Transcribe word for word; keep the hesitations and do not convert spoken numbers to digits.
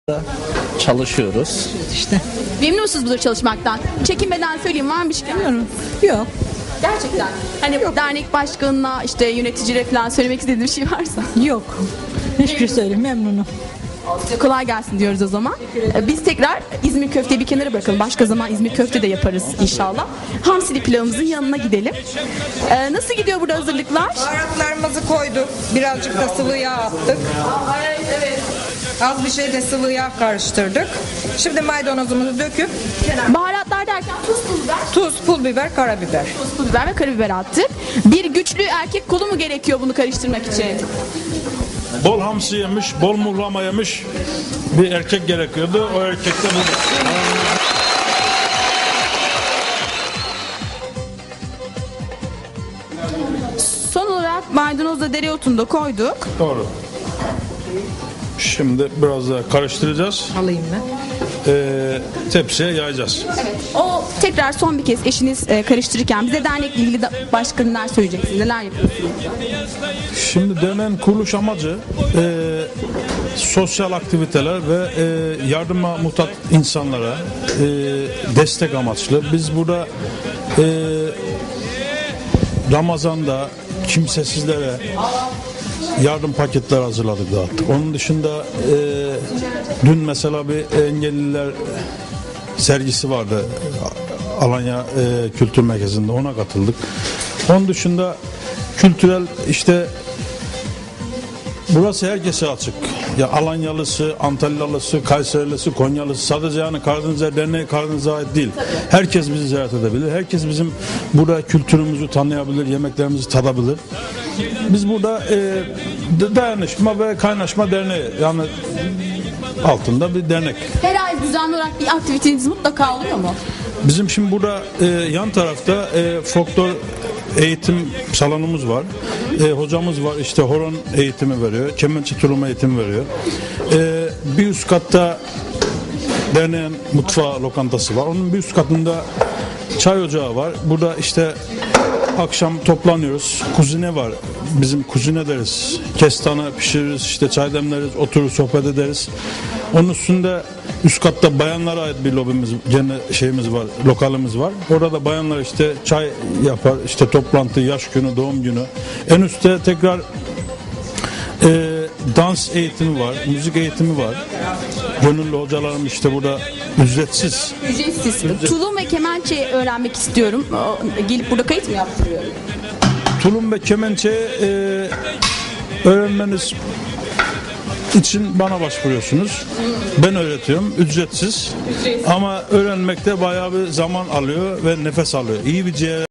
Çalışıyoruz. İşte Memnun musunuz burada çalışmaktan? Çekinmeden söyleyeyim, var mı bir şey? bilmiyorum. Yok. Gerçekten. Hani dernek başkanına, işte yöneticilere falan söylemek istediğim bir şey varsa. Yok. Hiçbir şey söyleyeyim. Memnunum. Size kolay gelsin diyoruz o zaman. Ee, Biz tekrar İzmir köfteyi bir kenara bırakalım. Başka zaman İzmir köfte de yaparız inşallah. Hamsili pilavımızın yanına gidelim. Ee, nasıl gidiyor burada hazırlıklar? Baharatlarımızı koyduk. Birazcık da sıvı yağ attık. Az bir şey de sıvı yağ karıştırdık. Şimdi maydanozumuzu döküp Baharatlar derken tuz, pul biber, tuz, pul biber, karabiber. tuz, pul biber ve karabiber attık. Bir güçlü erkek kolu mu gerekiyor bunu karıştırmak için? Bol hamsi yemiş, bol muhlama yemiş bir erkek gerekiyordu. O erkek de bu. Son olarak maydanozla dereotunu da koyduk. Doğru. Şimdi biraz daha karıştıracağız. Alayım ben. Ee, tepsiye yayacağız. Evet. O tekrar son bir kez eşiniz e, karıştırırken bize dernekle ilgili de başka neler söyleyeceksiniz? Neler yapıyorsunuz? Şimdi derneğin kuruluş amacı e, sosyal aktiviteler ve e, yardıma muhtaç insanlara e, destek amaçlı. Biz burada e, Ramazan'da kimsesizlere yardım paketler hazırladık, dağıttık. Onun dışında e, dün mesela bir engelliler sergisi vardı Alanya e, Kültür Merkezi'nde, ona katıldık. Onun dışında kültürel işte burası herkese açık. Ya Alanyalısı, Antalyalısı, Kayserili'si, Konyalısı, sadece yani Karadenizler Derneği Karadeniz'e ait değil. Herkes bizi ziyaret edebilir. Herkes bizim burada kültürümüzü tanıyabilir, yemeklerimizi tadabilir. Biz burada e, dayanışma ve kaynaşma derneği, yani altında bir dernek. Her ay düzenli olarak bir aktiviteniz mutlaka oluyor mu? Bizim şimdi burada e, yan tarafta e, folklor eğitim salonumuz var. E, hocamız var, işte horon eğitimi veriyor, kemençe tulum eğitimi veriyor. E, bir üst katta derneğin mutfağı, lokantası var. Onun bir üst katında çay ocağı var. Burada işte akşam toplanıyoruz. Kuzine var. Bizim kuzine deriz. Kestane pişiririz, işte çay demleriz, oturur sohbet ederiz. Onun üstünde üst katta bayanlara ait bir lobimiz, gene şeyimiz var, lokalimiz var. Orada bayanlar işte çay yapar, işte toplantı, yaş günü, doğum günü. En üstte tekrar e, dans eğitimi var, müzik eğitimi var. Gönüllü hocalarım işte burada ücretsiz. Ücretsiz. Tulum ve kemençe öğrenmek istiyorum. O, gelip burada kayıt mı yaptırıyorum? Tulum ve kemençe e, öğrenmeniz için bana başvuruyorsunuz. Ben öğretiyorum. Ücretsiz. Ama öğrenmekte bayağı bir zaman alıyor ve nefes alıyor. İyi bir ciğer